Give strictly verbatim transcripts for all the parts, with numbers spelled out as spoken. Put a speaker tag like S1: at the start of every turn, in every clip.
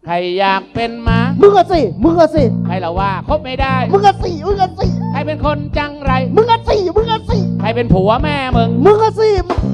S1: ใครอยากเป็นม้า
S2: มึงอะสิมึงอะสิ
S1: ใครเราว่าคบไม่ได้
S2: มึงอะสิมึงอะสิ
S1: ใครเป็นคนจังไร
S2: มึงอะสิมึงอะสิ
S1: ใครเป็นผัวแม่มึง
S2: มึงอะสิ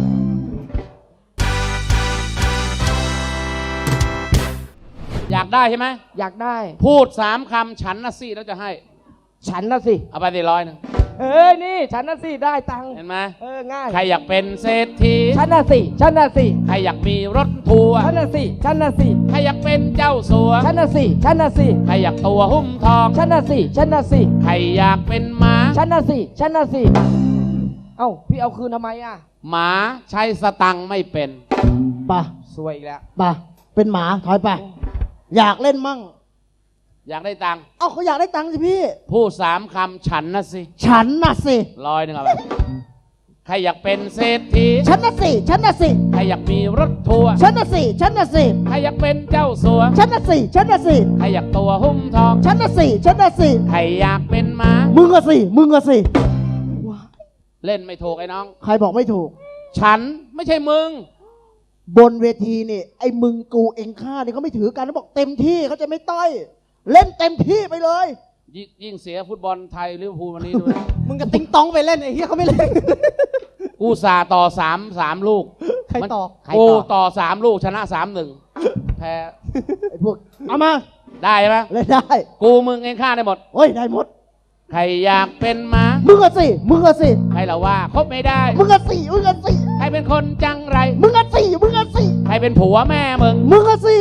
S1: อยากได้ใช่ไหม
S2: อยากได้
S1: พูดสามคำฉันนะสิแล้วจะให้
S2: ฉันนะสิ
S1: เอาไปสี่ร้อยหนึง
S2: เอ้ยนี่ฉันนะสิได้ตังค์
S1: เห็นไหม
S2: เออง่าย
S1: ใครอยากเป็นเศรษฐี
S2: ฉันนะสิฉันนะสิ
S1: ใครอยากมีรถทัวร์
S2: ฉันนะสิฉันนะสิ
S1: ใครอยากเป็นเจ้าสัว
S2: ฉันนะสิฉันนะสิ
S1: ใครอยากตัวหุ้มทอง
S2: ฉันนะสิฉันนะสิ
S1: ใครอยากเป็นม้า
S2: ฉันนะสิฉันนะสิเอ้าพี่เอาคืนทำไมอ่ะ
S1: หมาใช้สตังค์ไม่เป็น
S3: ป่ะ
S2: สวยอีกแล้ว
S3: ป่ะเป็นหมาถอยไปอยากเล่นมั่ง
S1: อยากได้ตังค์
S3: เอ้าเขาอยากได้ตังค์สิพี่
S1: พูดสามคำฉันนะสิ
S3: ฉันน่ะสิ
S1: ร้อยหนึ่งเอาไปใครอยากเป็นเศรษฐี
S3: ฉันน่ะสิฉันน่ะสิ
S1: ใครอยากมีรถทัวร์
S3: ฉันน่ะสิฉันน่ะสิ
S1: ใครอยากเป็นเจ้าสัว
S3: ฉันน่ะสิฉันน่ะสิ
S1: ใครอยากตัวหุ้มทอง
S3: ฉันน่ะสิฉันน่ะสิ
S1: ใครอยากเป็นม้า
S3: มึงอะสิมึงอะสิ
S1: เล่นไม่ถูกไอ้น้อง
S3: ใครบอกไม่ถูก
S1: ฉันไม่ใช่มึง
S3: บนเวทีนี่ไอ้มึงกูเองข้านี่เขาไม่ถือกันเขาบอกเต็มที่เขาจะไม่ต้อย เล่นเต็มที่ไปเลย
S1: ยิยิ่งเสียฟุตบอลไทยลิเวอร์พูลวันนี้ด้วย
S2: มึงก็ติ๊งต้องไปเล่นไอ้เหี้ยเขาไม่เล่น
S1: กูสาต่อสามสามลูก
S2: ใครต่อ
S1: มัน
S2: ใคร
S1: กู
S2: ต่อ
S1: ต่อสามลูกชนะสามหนึ่งแพ้
S3: ไอ้พวกเอามา
S1: ได้ไหม
S3: เล่นได้
S1: กูมึงเองฆ่าได้หมด
S3: โอ้ยได้หมด
S1: ใครอยากเป็นม้า
S3: มึงอะสิมึงอะสิ
S1: ใครเราว่าคบไม่ได้
S3: มึงอะสิมึงอะสิ
S1: ใครเป็นคนจังไร
S3: มึงอะสิมึงอะสิ
S1: ใครเป็นผัวแม่มึง
S3: มึงอะสิ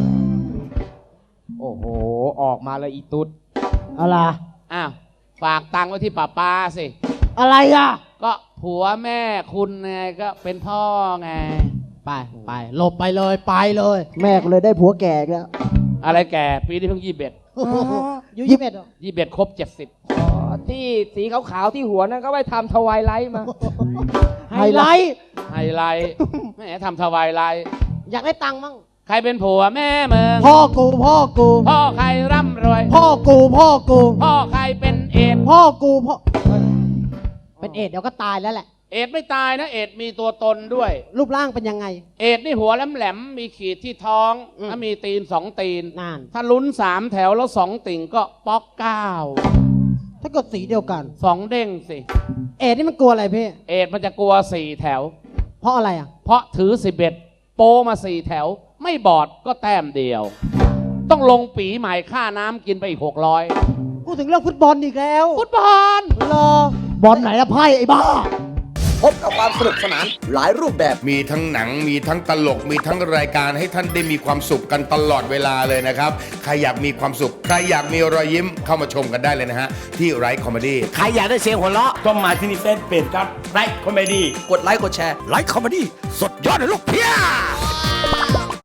S2: โอ้โหออกมาเลยอีตุ๊ด
S3: อะไร
S1: อ้าวฝากตังค์ไว้ที่ป้าป้าสิ
S3: อะไรอ่ะ
S1: ก็ผัวแม่คุณไงก็เป็นพ่อไง
S2: ไปไปหลบไปเลยไปเลย
S3: แม่ก็เลยได้ผัวแก่อีกแล้ว
S1: อะไรแก่ปีนี้เพิ่งยี่สิบเอ็ด
S2: ยูยี่สิบเอ็ดเหรอ
S1: ยี่สิบเอ็ดครบเจ็ดสิบ
S2: อ๋อที่สีขาวๆที่หัวนั่นก็ไปทำทวายไลท์มา
S3: ไฮไลท์
S1: ไฮไลท์แหมทำทวายไลท์
S2: อยากได้ตังค์มั่ง
S1: ใครเป็นผัวแม่มึง
S3: พ่อกูพ่อกู
S1: พ่อใครร่ำรวย
S3: พ่อกูพ่อกู
S1: พ่อใครเป็นเอดส์
S3: พ่อกูพ่อ
S2: เป็นเอดเดี๋ยวก็ตายแล้วแหละ
S1: เอดส์ไม่ตายนะเอดส์มีตัวตนด้วย
S2: รูปร่างเป็นยังไง
S1: เอดส์นี่หัวแหลมๆมีขีดที่ท้อง
S2: อืม
S1: แล้วมีตีนสองตีน
S2: นาน
S1: ถ้าลุ้นสามแถวแล้วสองติ่งก็ป๊อกเก้า
S2: ถ้าเกิดสีเดียวกัน
S1: สองเด้งสิ
S2: เอดนี่มันกลัวอะไรพี่
S1: เอดส์มันจะกลัวสี่แถว
S2: เพราะอะไรอ่ะ
S1: เพราะถือสิบเอ็ดโปมาสี่แถว ไม่บอดก็แต้มเดียว ต้องลงปีใหม่ค่าน้ำกินไปอีกหกร้อย
S2: พูดถึงเรื่องฟุตบอลอีกแล้ว
S1: ฟุตบอล
S2: รอบ
S3: อลไหนละไพ่ไอ้บ้า
S4: พบกับความสนุกสนานหลายรูปแบบ
S5: มีทั้งหนังมีทั้งตลกมีทั้งรายการให้ท่านได้มีความสุขกันตลอดเวลาเลยนะครับ ใครอยากมีความสุข ใครอยากมีรอยยิ้มเข้ามาชมกันได้เลยนะฮะ ที่ไรคอมเมดี้
S6: ใครอยากได้เสียงหัวเราะต้องมาที่นี่เฟซเพจครับไลค์คอมเมดี้
S4: กดไลค์กดแชร์
S6: ไลค์คอมเมดี้สดยอดเลยลูกเพีย